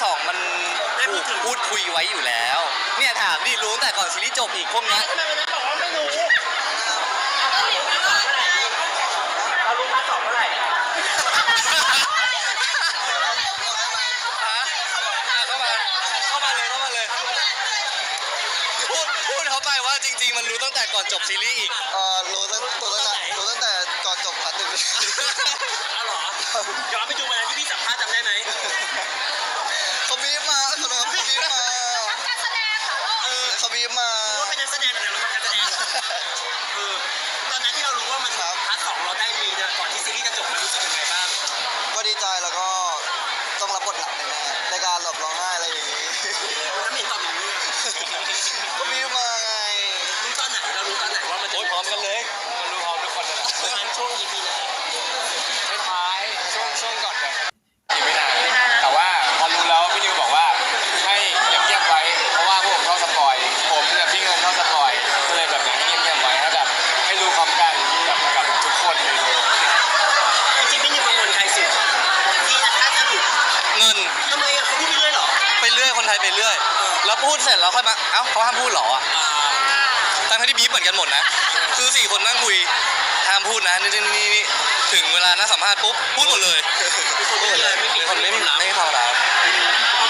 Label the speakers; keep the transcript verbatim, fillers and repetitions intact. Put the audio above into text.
Speaker 1: สองมันถูกพูดคุยไว้อยู่แล้วเนี่ยถามดิรู้ตั้งแต่ก่อนซีรีส์จบอีกพวกนี้
Speaker 2: ทำไมวันนั้นบอกว่าไม่รู้เรารู้พาร์ทสองเมื่อไหร่เรารู้พาร์ทสองเมื่อไหร่
Speaker 1: เข้ามาเข้ามาเลยเข้ามาเลยพูดพูดเขาไปว่าจริงๆมันรู้ตั้งแต่ก่อนจบซีรีส์อีก
Speaker 3: เออรู้ตั้งรู้ตั้งแต่รู้ตั้งแต่ก่อนจบพาร์ทหนึ่ง
Speaker 2: เอาหรอย้อนไปดูวันนั้นที่พี่สัมภาษณ์จำได้ไหม
Speaker 3: เขาบีบมาเขาบีบมาเออเขาบีบมา
Speaker 2: ว่าเป็นนักแสดงแต่เราทำการแสดงเออตอนนั้นที่เรารู้ว่ามันพาร์ทสองเราได้มีนะก่อนที่ซีรีส์จะจบมันรู้สึกยังไงบ้าง
Speaker 3: ก็ดีใจแล้วก็ต้องรับบทหนักแน่ๆในการหลบร้องไห้อะไรอย่างนี้
Speaker 2: วันนั้นเห็นตอนอย่างนี้
Speaker 3: เขาบีบมาไง
Speaker 2: รู้ตอนไหนเรารู้ตอนไหนว่ามันจะ
Speaker 1: พร้อมกันเลยรู้พร้อมทุกคนเลย
Speaker 2: ประมาณช่วง อี พี ไหน
Speaker 1: ท้ายช่วงช่วงก่อนกันไม่นานแต่ว่าพอรู้แล้วพี่นิวบอกว่าให้เงียบๆไว้เพราะว่าพวกผมชอบสปอยผมเนี่ยพี่เงินชอบสปอยก็เลยแบบอยากให้เงียบๆไว้ให้แบบให้รู้พร้อมกันกับกับทุกคนเลย
Speaker 2: จริงๆไม่มีกังวลใครสุดที่ถ้าจะหลุด
Speaker 1: เงิน
Speaker 2: ทำไมอ่ะเขาพูดไปเรื่อยเหรอ
Speaker 1: ไปเรื่อยคนไทยไปเรื่อยแล้วพูดเสร็จแล้วค่อยมาเอ้าเขาห้ามพูดเหรออ่ะทั้งที่บีบเหมือนกันหมดนะคือสี่คนนั่งคุยห้ามพูดนะนี่นี่นี่ถึงเวลานัดสัมภาษณ์ปุ๊บพูดหมดเลย
Speaker 2: พูดหมดเลยไม่มี
Speaker 1: คนไม่มีไม่ธรรมดา